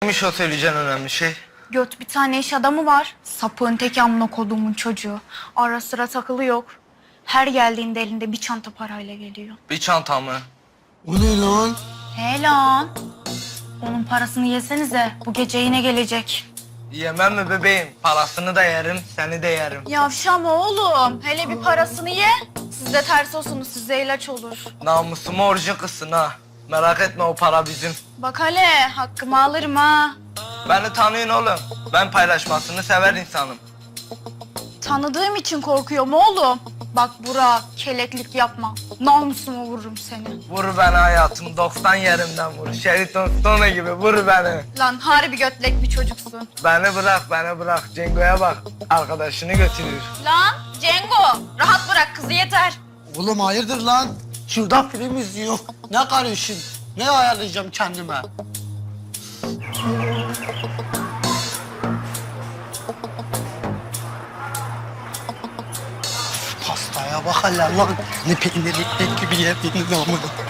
Neymiş o söyleyeceğin önemli şey? Göt bir tane iş adamı var. Sapığın tek amına koduğumun çocuğu. Ara sıra takılı yok. Her geldiğinde elinde bir çanta parayla geliyor. Bir çanta mı? O ne lan? He lan. Onun parasını yesenize. Bu gece yine gelecek. Yemem mi bebeğim? Parasını da yerim, seni de yerim. Yavşama oğlum. Hele bir parasını ye. Siz de ters olsunuz. Size ilaç olur. Namusumu orucu kızsın ha. Merak etme o para bizim. Bak hele hakkımı alırım ha. Beni tanıyın oğlum. Ben paylaşmasını sever insanım. Tanıdığım için korkuyorum oğlum. Bak Burak, keleklik yapma. Namusumu vururum seni. Vur beni hayatım, 90 yerimden vur. Şeriton Stone gibi vur beni. Lan harbi götlek bir çocuksun. Beni bırak. Cengo'ya bak. Arkadaşını götürür. Lan Cengo, rahat bırak kızı yeter. Oğlum hayırdır lan? Şurada film izliyor. Ne karışın? Ne ayarlayacağım kendime? Pastaya bak hele lan. Ne peynirli ekmek gibi yediğiniz amına.